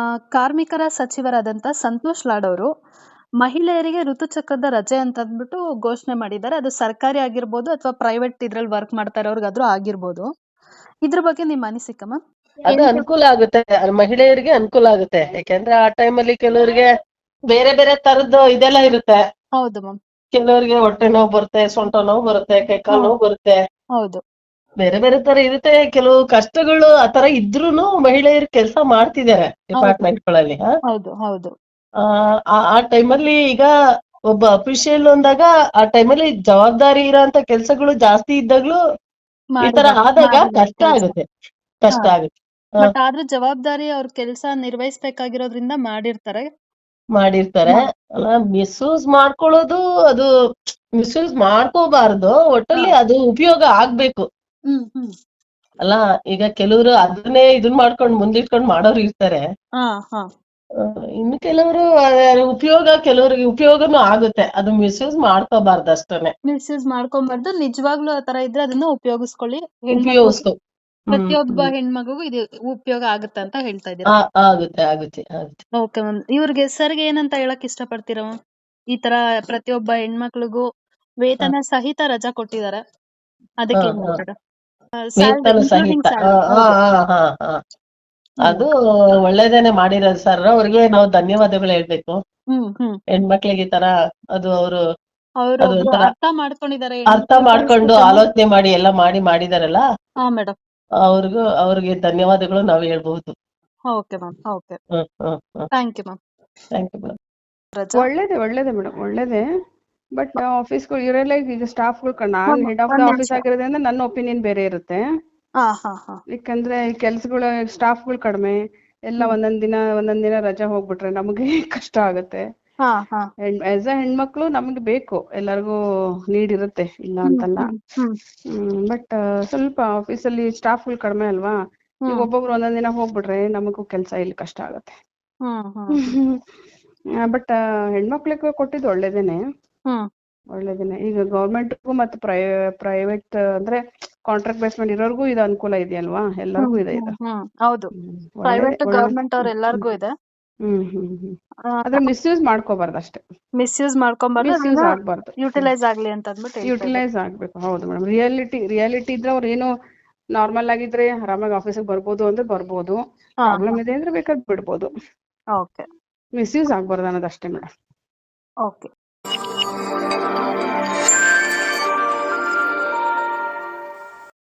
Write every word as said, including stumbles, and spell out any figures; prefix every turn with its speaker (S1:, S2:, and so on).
S1: ಕಾರ್ಮಿಕರ ಸಚಿವರಾದಂತ ಸಂತೋಷ್ ಲಾಡ್ ಅವರು ಮಹಿಳೆಯರಿಗೆ ಋತುಚಕ್ರದ ರಜೆ ಅಂತ ಅಂದ್ಬಿಟ್ಟು ಘೋಷಣೆ ಮಾಡಿದ್ದಾರೆ. ಅದು ಸರ್ಕಾರಿ ಆಗಿರ್ಬೋದು ಅಥವಾ ಪ್ರೈವೇಟ್ ಇದ್ರಲ್ಲಿ ವರ್ಕ್ ಮಾಡ್ತಾ ಇರೋರ್ಗಾದ್ರೂ ಆಗಿರ್ಬೋದು. ಇದ್ರ ಬಗ್ಗೆ ನಿಮ್ಮ ಅನಿಸಿಕೆ ಮ್ಯಾಮ್?
S2: ಅದು ಅನುಕೂಲ ಆಗುತ್ತೆ, ಮಹಿಳೆಯರಿಗೆ ಅನುಕೂಲ ಆಗುತ್ತೆ. ಯಾಕೆಂದ್ರೆ ಆ ಟೈಮಲ್ಲಿ ಕೆಲವರಿಗೆ ಬೇರೆ ಬೇರೆ ತರದ್ದು ಇದೆಲ್ಲ ಇರುತ್ತೆ.
S1: ಹೌದು ಮ್ಯಾಮ್.
S2: ಕೆಲವರಿಗೆ ಹೊಟ್ಟೆ ನೋವು ಬರುತ್ತೆ, ಸೊಂಟ ನೋವು ಬರುತ್ತೆ, ಕೈಕಾಲು ನೋವು ಬರುತ್ತೆ,
S1: ಹೌದು
S2: ಬೇರೆ ಬೇರೆ ತರ ಇರುತ್ತೆ. ಕೆಲವು ಕಷ್ಟಗಳು ಆತರ ಇದ್ರೂನು ಮಹಿಳೆಯರು ಕೆಲಸ ಮಾಡ್ತಿದ್ದಾರೆ ಡಿಪಾರ್ಟ್ಮೆಂಟ್ ಗಳಲ್ಲಿ.
S1: ಹೌದು ಹೌದು
S2: ಆ ಆ ಟೈಮಲ್ಲಿ ಈಗ ಒಬ್ಬ ಅಫಿಷಿಯಲ್ ಅಂದಾಗ ಆ ಟೈಮಲ್ಲಿ ಜವಾಬ್ದಾರಿ ಇರೋಂತ ಕೆಲ್ಸಗಳು ಜಾಸ್ತಿ ಇದ್ದಾಗ್ಲೂ ಈ ತರ ಆದಾಗ ಕಷ್ಟ ಆಗುತ್ತೆ ಕಷ್ಟ ಆಗುತ್ತೆ
S1: ಬಟ್ ಆದ್ರೂ ಜವಾಬ್ದಾರಿ ಅವ್ರ ಕೆಲಸ ನಿರ್ವಹಿಸ್ಬೇಕಾಗಿರೋದ್ರಿಂದ ಮಾಡಿರ್ತಾರೆ
S2: ಮಾಡಿರ್ತಾರೆ ಅಲ್ಲ. ಮಿಸ್ಯೂಸ್ ಮಾಡ್ಕೊಳ್ಳೋದು ಅದು ಮಿಸ್ಯೂಸ್ ಮಾಡ್ಕೋಬಾರ್ದು, ಒಟ್ಟಲ್ಲಿ ಅದು ಉಪಯೋಗ ಆಗ್ಬೇಕು
S1: ಹ್ಮ್ ಹ್ಮ್
S2: ಅಲ್ಲ. ಈಗ ಕೆಲವರು ಅದನ್ನೇ ಇದನ್ ಮಾಡ್ಕೊಂಡ್ ಮುಂದಿಟ್ಕೊಂಡ್ ಮಾಡೋರು ಇರ್ತಾರೆ,
S1: ಹಾ ಹಾ
S2: ಇನ್ನು ಕೆಲವರು ಉಪಯೋಗ ಕೆಲವರಿಗೆ ಉಪಯೋಗನೂ ಆಗುತ್ತೆ. ಅದು ಮಿಸ್ಯೂಸ್ ಮಾಡ್ಕೋಬಾರ್ದು ಅಷ್ಟೇನೆ.
S1: ಮಿಸ್ಯೂಸ್ ಮಾಡ್ಕೊಂಬಾರ್ದು, ನಿಜವಾಗ್ಲೂ ಆತರ ಇದ್ರೆ ಅದನ್ನ ಉಪಯೋಗಿಸ್ಕೊಳ್ಳಿ.
S2: ಉಪಯೋಗಿಸ್ಕೊ
S1: ಪ್ರತಿಯೊಬ್ಬ ಹೆಣ್ಮಗುಗೂ ಇದು ಉಪಯೋಗ ಆಗುತ್ತೆ ಅಂತ ಹೇಳ್ತಾ ಇದ್ದೀರಾ?
S2: ಆಗುತ್ತೆ ಆಗುತ್ತೆ ಆಗುತ್ತೆ
S1: ಓಕೆ ಮ್ಯಾಮ್. ಇವ್ರಿಗೆ ಸರ್ಗೆ ಏನಂತ ಹೇಳಕ್ ಇಷ್ಟಪಡ್ತೀರಾ ಮ್ಯಾಮ್? ಈ ತರ ಪ್ರತಿಯೊಬ್ಬ ಹೆಣ್ಮಕ್ಳಿಗೂ ವೇತನ ಸಹಿತ ರಜಾ ಕೊಟ್ಟಿದ್ದಾರೆ, ಅದಕ್ಕೆ ಏನ್ ಹೇಳ್ತೀರಾ?
S2: ವೇತನ ಸಹಿತ ಅದು ಒಳ್ಳೇದೇನೆ ಮಾಡಿರೋದು ಸರ್. ಅವ್ರಿಗೆ ನಾವು ಧನ್ಯವಾದಗಳು ಹೇಳ್ಬೇಕು. ಹೆಣ್ಮಕ್ಳಿಗೆ ಈ ತರ ಅದು ಅವರು
S1: ಅರ್ಥ ಮಾಡ್ಕೊಂಡಿದ್ದಾರೆ,
S2: ಅರ್ಥ ಮಾಡ್ಕೊಂಡು ಆಲೋಚನೆ ಮಾಡಿ ಎಲ್ಲ ಮಾಡಿ ಮಾಡಿದಾರಲ್ಲ,
S1: ಮೇಡಮ್
S2: ಅವ್ರಿಗೂ ಅವ್ರಿಗೆ ಧನ್ಯವಾದಗಳು ನಾವು ಹೇಳ್ಬಹುದು.
S1: Okay ma'am. Okay, thank you ma'am.
S2: Thank you madam.
S3: ಒಳ್ಳೇದೇ ಒಳ್ಳೇದೇ ಮೇಡಮ್, ಒಳ್ಳೇದೇ. ಬಟ್ ಆಫೀಸ್ಗಳು ಇವರೆಲ್ಲ ಈಗ ಸ್ಟಾಫ್ಗಳು, ನಾನ್ ಹೆಡ್ ಆಫ್ ದ ಆಫೀಸ್ ಆಗಿರೋದ್ರಿಂದ ನನ್ನ ಒಪಿನಿಯನ್ ಬೇರೆ ಇರುತ್ತೆ. ಯಾಕಂದ್ರೆ ಕೆಲ್ಸಗಳು ಸ್ಟಾಫ್ಗಳು ಕಡಿಮೆ, ಎಲ್ಲ ಒಂದೊಂದ್ ದಿನ ಒಂದೊಂದ್ ದಿನ ರಜಾ ಹೋಗ್ಬಿಟ್ರೆ ನಮಗೆ ಕಷ್ಟ ಆಗುತ್ತೆ. ಆಸ್ ಅ ಹೆಣ್ಮಕ್ಳು ನಮ್ಗೆ ಬೇಕು, ಎಲ್ಲರಿಗೂ ನೀಡ್ ಇರುತ್ತೆ, ಇಲ್ಲ ಅಂತಲ್ಲ. ಹ್ಮ್ ಬಟ್ ಸ್ವಲ್ಪ ಆಫೀಸಲ್ಲಿ ಸ್ಟಾಫ್ಗಳು ಕಡಿಮೆ ಅಲ್ವಾ, ಈಗ ಒಬ್ಬೊಬ್ರು ಒಂದೊಂದ್ ದಿನ ಹೋಗ್ಬಿಟ್ರೆ ನಮಗೂ ಕೆಲ್ಸ ಇಲ್ಲಿ ಕಷ್ಟ ಆಗತ್ತೆ. ಬಟ್ ಹೆಣ್ಮಕ್ಳಿಗೂ ಕೊಟ್ಟಿದ್ದು ಒಳ್ಳೇದೇನೆ ಒಳ್ಳೇದೇನೆ. ಈಗ ಗೌರ್ಮೆಂಟ್ಗೂ ಮತ್ತೆ ಪ್ರೈ ಪ್ರೈವೇಟ್ ಅಂದ್ರೆ ಕಾಂಟ್ರಾಕ್ಟ್ ಬೇಸ್ಮೆಂಟ್ ಇರೋರ್ಗೂ ಇದು ಅನುಕೂಲ ಇದೆಯಲ್ವಾ, ಎಲ್ಲರಿಗೂ ಇದೆ ಇದು.
S1: ಹೌದು, ಪ್ರೈವೇಟ್ ಗವರ್ಮೆಂಟ್ ಅವ್ರ ಎಲ್ಲರಿಗೂ ಇದೆ.
S3: ಹ್ಮ್ ಹ್ಮ್ ಹ್ಮ್ ಆದ್ರೆ ಮಿಸ್ಯೂಸ್ ಮಾಡ್ಕೋಬಾರ್ದು ಅಷ್ಟೇ.
S1: ಮಿಸ್ಯೂಸ್ ಮಾಡ್ಕೊಂಬಾರ್ದು,
S3: ಮಿಸ್ಯೂಸ್ ಆಗ್ಬಾರ್ದು,
S1: ಯುಟಿಲೈಸ್ ಆಗ್ಲಿ ಅಂತ ಅಂದ್ಬಿಟ್ಟು
S3: ಯುಟಿಲೈಸ್ ಆಗ್ಬೇಕು. ಹೌದು ಮೇಡಮ್, ರಿಯಾಲಿಟಿ ರಿಯಾಲಿಟಿ ಇದ್ರೆ ಅವ್ರು ಏನು ನಾರ್ಮಲ್ ಆಗಿದ್ರೆ ಆರಾಮಾಗಿ ಆಫೀಸಿಗೆ ಬರ್ಬೋದು ಅಂದ್ರೆ ಬರ್ಬೋದು, ಪ್ರಾಬ್ಲಮ್ ಇದೆ ಅಂದ್ರೆ ಬೇಕಾದ್ರೆ ಬಿಡ್ಬೋದು.
S1: ಓಕೆ,
S3: ಮಿಸ್ಯೂಸ್ ಆಗ್ಬಾರ್ದು ಅನ್ನೋದಷ್ಟೇ ಮೇಡಮ್.
S1: ಓಕೆ.